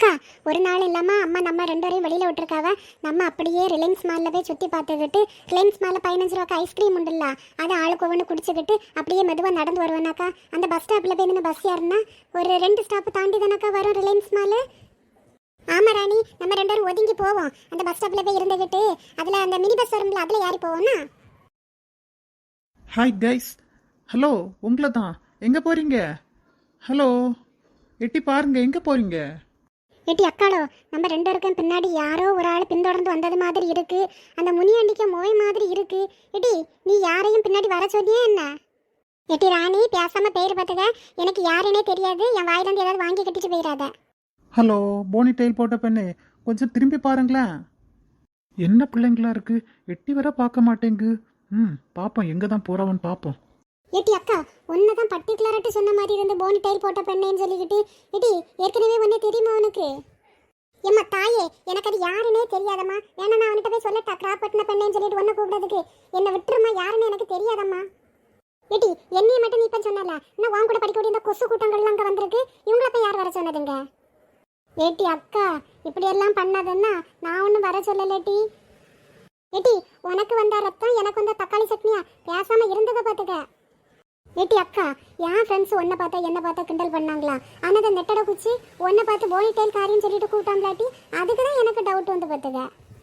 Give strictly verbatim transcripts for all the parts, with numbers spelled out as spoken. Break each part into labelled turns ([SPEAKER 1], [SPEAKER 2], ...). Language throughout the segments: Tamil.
[SPEAKER 1] அக்கா, ஒரு நாள் இல்லாமல் அம்மா நம்ம ரெண்டு வரையும் வெளியில் விட்டுருக்காவ. நம்ம அப்படியே ரிலையன்ஸ் மாலில் போய் சுற்றி பார்த்துக்கிட்டு, ரிலையன்ஸ் மாலில் பதினஞ்சு ரூபாய்க்கு ஐஸ்கிரீம் உண்டுல்ல, அதை ஆளுக்கு ஒவ்வொன்று குடிச்சிக்கிட்டு அப்படியே மெதுவாக நடந்து வருவேனாக்கா. அந்த பஸ் ஸ்டாப்பில் போய் நின்று பஸ் ஏறினா ஒரு ரெண்டு ஸ்டாப்பு தாண்டி தானக்கா வரும் ரிலையன்ஸ் மாலு. ஆமா ராணி, நம்ம ரெண்டு பேரும் ஒதுங்கி போவோம். அந்த பஸ் ஸ்டாப்பில் போய் இருந்துக்கிட்டு அதில் அந்த மினி பஸ் வரும்ல, அதில் ஏறி போவோம்னா.
[SPEAKER 2] ஹாய் கைஸ், ஹலோ, உங்களை தான். எங்கே போகிறீங்க? ஹலோ, எட்டி பாருங்க, எங்கே போகிறீங்க?
[SPEAKER 1] ஏட்டி அக்காளோ, நம்ம ரெண்டு பேருக்கும் பின்னாடி யாரோ ஒரு ஆள் பின்தொடர்ந்து வந்தது மாதிரி இருக்கு. அந்த முனியாண்டிக்க மோய் மாதிரி இருக்கு. ஏட்டி, நீ யாரையும் பின்னாடி வர சொன்னியே என்ன? ஏட்டி ராணி, பேசாம பேர் பார்த்துக்க. எனக்கு யாருன்னே தெரியாது. என் வாயிலிருந்து ஏதாவது வாங்கி கட்டிட்டு போயிடாத.
[SPEAKER 2] ஹலோ, போனி டெயில் போட்ட பெண்ணு, கொஞ்சம் திரும்பி பாருங்களேன். என்ன பிள்ளைங்களா இருக்கு, எட்டி வர பார்க்க மாட்டேங்கு. ம், பார்ப்போம் எங்கே தான் போகிறவன் பார்ப்போம்.
[SPEAKER 1] ஏட்டி அக்கா, ஒன்னதான் பர்டிகுலராட்டு சொன்ன மாதிரி இருந்து போனி டைல் போட்ட பெண்ணேன்னு சொல்லிக்கிட்டு, ஏட்டி ஏற்கனவே ஒன்னே தெரியுமா உனக்கு? ஏம்மா தாயே, எனக்கு அது யாருன்னே தெரியாதம்மா. வேணா நான் அவன்கிட்ட போய் சொல்லட்டா, கிராப் பட்டின பெண்ணேன்னு சொல்லிட்டு ஒன்ன கூப்பிடுறதுக்கு? என்னை விட்டுருமா, யாருன்னு எனக்கு தெரியாதம்மா. ஏட்டி, என்னைய மட்டும் நீ இப்ப சொன்னல, இன்னும் வாங்க கூட படிக்க இந்த கொசு கூட்டங்கள்லாம் அங்கே வந்திருக்கு. இவங்கள போய் யார் வர சொன்னதுங்க? ஏட்டி அக்கா, இப்படி எல்லாம் பண்ணாதன்னா நான் ஒன்றும் வர சொல்லலேட்டி. ஏட்டி, உனக்கு வந்த ரத்தம் எனக்கு வந்த தக்காளி சட்னியா? பேசாம இருந்ததை பார்த்துக்க. ஏட்டி அக்கா, என் ஃப்ரெண்ட்ஸ் ஒன்றை பார்த்தா என்ன பார்த்தா கிண்டல் பண்ணாங்களா? ஆனால் அந்த நெட்டடை குச்சி ஒன்றை பார்த்து போனி டைல் காரின்னு சொல்லிட்டு கூப்பிட்டாங்களாட்டி, அதுக்கு தான் எனக்கு டவுட் வந்து பார்த்துக்க.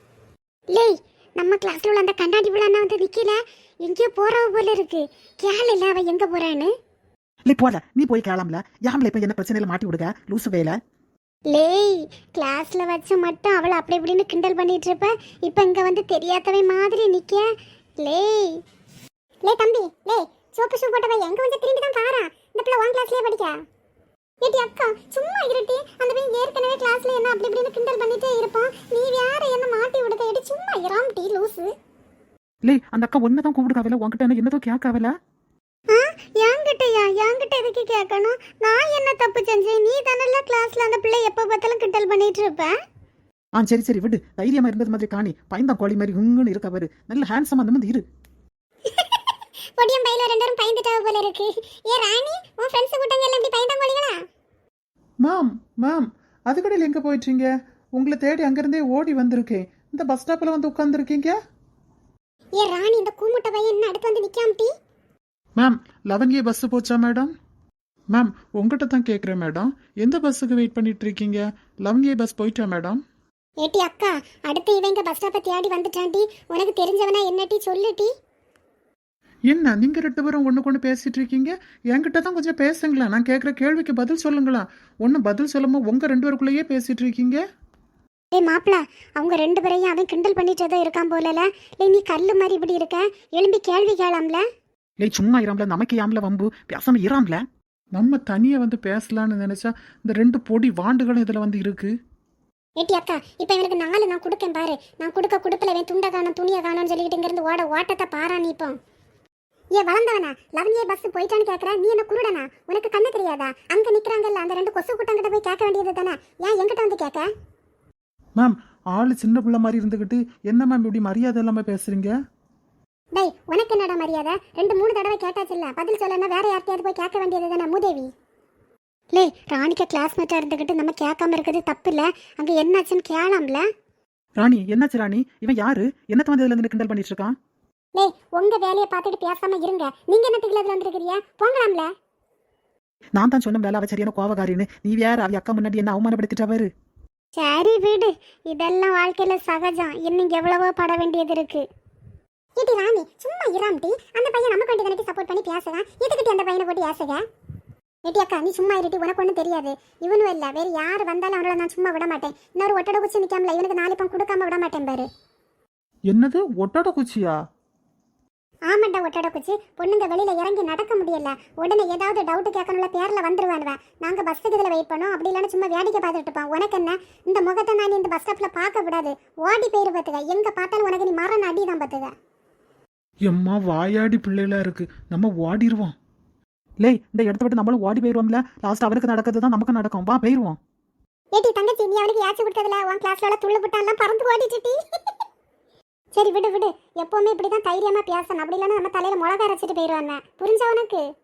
[SPEAKER 1] லேய், நம்ம கிளாஸ்ல உள்ள அந்த கண்ணாடி விழாண்ணா வந்து நிற்கல, எங்கேயோ போறவ போல இருக்கு. கேள் இல்லை அவ எங்கே போறான்னு.
[SPEAKER 2] இல்லை போல, நீ போய் கேளாம்ல. யாமல இப்போ என்ன பிரச்சனையில மாட்டி விடுங்க லூசு வேலை.
[SPEAKER 1] லேய், கிளாஸ்ல வச்சு மட்டும் அவளை அப்படி இப்படின்னு கிண்டல் பண்ணிட்டு இருப்ப, இப்போ இங்கே வந்து தெரியாதவை மாதிரி நிற்க. லேய் லே தம்பி, லே சோப்பு ஷூ போட்டவ எங்க வந்து திரும்பி தான் பாரா. இந்த பிள்ளை ஒன் கிளாஸ்லயே படிக்க. ஏட்டி அக்கா, சும்மா இருட்டி. அந்த பையன் ஏற்கனவே கிளாஸ்ல என்ன அப்படி இப்படின்னு கிண்டல் பண்ணிட்டே இருப்பான். நீ வேற என்ன மாட்டி விடுத. ஏட்டி சும்மா இராம் டீ லூசு.
[SPEAKER 2] லே, அந்த அக்கா ஒன்ன தான் கூப்பிடுகாவல, உன்கிட்ட என்ன என்னதோ கேட்காவல.
[SPEAKER 1] ஆ, என்கிட்டயா? என்கிட்ட எதுக்கு கேட்கணும்? நான் என்ன தப்பு செஞ்சேன்? நீ தானல்ல கிளாஸ்ல அந்த பிள்ளை எப்ப பார்த்தாலும் கிண்டல் பண்ணிட்டு இருப்ப.
[SPEAKER 2] ஆ சரி சரி விடு, தைரியமா இருந்தது மாதிரி காணி. பயந்தான் கோழி மாதிரி உங்குன்னு இருக்கவரு. நல்ல ஹேண்ட்ஸமா அந்த மாதிரி இரு.
[SPEAKER 1] பொடியம் பையில ரெண்டரும் பயந்துட்டாவ போல இருக்கு. ஏ ராணி, உன் ஃப்ரெண்ட்ஸ் கூட்டங்க எல்லாம் இப்படி பயந்தாங்கோலிங்களா?
[SPEAKER 2] மேம் மேம் அது கடையில் எங்கே போயிட்டீங்க? உங்களை தேடி அங்கேருந்தே ஓடி வந்திருக்கேன். இந்த பஸ் ஸ்டாப்பில் வந்து உட்காந்துருக்கீங்க.
[SPEAKER 1] ஏ ராணி, இந்த கூமுட்ட பையன் என்ன அடுத்து வந்து நிக்காமட்டி?
[SPEAKER 2] மேம், லெவன் ஏ பஸ் போச்சா மேடம்? மேம், உங்ககிட்ட தான் கேட்குறேன் மேடம், எந்த பஸ்ஸுக்கு வெயிட் பண்ணிட்டு இருக்கீங்க? லெவன் ஏ பஸ் போயிட்டா மேடம்?
[SPEAKER 1] ஏட்டி அக்கா, அடுத்து இவங்க பஸ் ஸ்டாப்பை தேடி வந்துட்டான்டி. உனக்கு தெரிஞ்சவனா என்னட்டி சொல்லுட்டி.
[SPEAKER 2] என்ன நீங்க ரெண்டு பேரும் ஒன்று கொண்டு பேசிட்டு இருக்கீங்க? என்கிட்ட தான் கொஞ்சம் பேசுங்களா. நான் கேட்குற கேள்விக்கு பதில் சொல்லுங்களா. ஒன்றும் பதில் சொல்லாம உங்க ரெண்டு பேருக்குள்ளேயே பேசிட்டு இருக்கீங்க.
[SPEAKER 1] ஏய் மாப்பிள, அவங்க ரெண்டு பேரையும் அவன் கிண்டல் பண்ணிட்டதா இருக்கான் போலல. இல்லை நீ கல்லு மாதிரி இப்படி இருக்க, எழும்பி கேள்வி கேளாம்ல.
[SPEAKER 2] இல்லை சும்மா இராம்ல, நமக்கு யாம்ல வம்பு, பேசாம இராம்ல. நம்ம தனியாக வந்து பேசலான்னு நினைச்சா இந்த ரெண்டு பொடி வாண்டுகளும் இதில் வந்து இருக்கு.
[SPEAKER 1] ஏட்டி அக்கா, இப்போ இவனுக்கு நாலு நான் கொடுக்கேன் பாரு. நான் கொடுக்க கொடுப்பல இவன் துண்டை காணும் துணியை காணும்னு சொல்லிட்டு இங்கிருந்து ஓட ஓட்டத்தை பாரா நீ. இப்போ ஏ வளர்ந்தவனா, லெவன் ஏ பஸ் போயிட்டான்னு கேட்குற? நீ என்ன குருடனா? உனக்கு கண்ணு தெரியாதா? அங்கே நிற்கிறாங்கல்ல அந்த ரெண்டு கொசு கூட்டங்கிட்ட போய் கேட்க வேண்டியது தானே. ஏன் என்கிட்ட வந்து கேட்க?
[SPEAKER 2] மேம், ஆளு சின்ன பிள்ளை மாதிரி இருந்துக்கிட்டு என்ன மேம் இப்படி மரியாதை இல்லாமல் பேசுறீங்க?
[SPEAKER 1] டேய், உனக்கு என்னடா மரியாதை? ரெண்டு மூணு தடவை கேட்டாச்சுல்ல, பதில் சொல்லனா வேற யார்கிட்டயாவது போய் கேட்க வேண்டியது தானே மூதேவி. லே, ராணிக்க கிளாஸ்மேட்டாக இருந்துக்கிட்டு நம்ம கேட்காம இருக்கிறது தப்பு இல்லை. அங்கே என்னாச்சுன்னு கேளாம்ல.
[SPEAKER 2] ராணி, என்னாச்சு ராணி? இவன் யாரு? என்னத்த வந்து இதில் இருந்து கிண்டல் பண்ணிட்டு இருக்கான்?
[SPEAKER 1] லே, உங்க வேலையை பார்த்துட்டு பேசாம இருங்க. நீங்க என்ன திகிலத்துல வந்துருக்கீங்க? போங்களாம்ல.
[SPEAKER 2] நான் தான் சொன்ன வேலை அவ சரியான கோவகாரின்னு. நீ வேற அவ அக்கா முன்னாடி என்ன அவமானப்படுத்திட்டவரு.
[SPEAKER 1] சரி விடு, இதெல்லாம் வாழ்க்கையில சகஜம். இன்னும் எவ்வளவோ பட வேண்டியது இருக்கு. ஏட்டி ராணி, சும்மா இராம்டி. அந்த பையன் நமக்கு வேண்டி தானே சப்போர்ட் பண்ணி பேசுறான். எதுக்கிட்ட அந்த பையனை போட்டு ஏசுக? ஏட்டி அக்கா, நீ சும்மா இருட்டி. உனக்கு ஒன்றும் தெரியாது. இவனும் இல்லை, வேறு யார் வந்தாலும் அவனோட நான் சும்மா விட மாட்டேன். இன்னொரு ஒட்டடை குச்சி நிற்காமல இவனுக்கு நாலு பணம் கொடுக்காம விட மாட்டேன் பாரு.
[SPEAKER 2] என்னது ஒட்டடை குச்சியா?
[SPEAKER 1] ஆமாண்டா, ஒட்டடை குச்சி. பொண்ணுங்க வெளியில இறங்கி நடக்க முடியல, உடனே ஏதாவது டவுட் கேட்கணும்ல பேர்ல வந்துருவானுவன். நாங்க பஸ்ஸுக்கு இதில் வெயிட் பண்ணோம். அப்படி இல்லைன்னா சும்மா வேடிக்கை பார்த்துட்டு இருப்பான். உனக்கு என்ன, இந்த முகத்தை நான் இந்த பஸ் ஸ்டாப்ல பார்க்க விடாது. ஓடி போயிரு பார்த்துக்க. எங்க பார்த்தாலும் உனக்கு நீ மரண அடி தான் பார்த்துக்க.
[SPEAKER 2] எம்மா வாயாடி பிள்ளைகளா இருக்கு, நம்ம ஓடிடுவோம். லே, இந்த இடத்த விட்டு நம்மளும் ஓடி போயிடுவோம்ல. லாஸ்ட் அவருக்கு நடக்கிறது தான் நமக்கு நடக்கும். வா போயிடுவோம்.
[SPEAKER 1] ஏட்டி தங்கச்சி, நீ அவனுக்கு ஏச்சு கொடுத்ததுல உன் கிளாஸ்ல துள்ளு புட்டான்லாம் பறந்து ஓடிச்சுட்டி. சரி விடு விடு, எப்பவுமே இப்படிதான் தைரியமா பேசணும். அப்படி இல்லைன்னா நம்ம தலையில மிளகா அரைச்சிட்டு போயிடுவாங்க. புரிஞ்சா உனக்கு?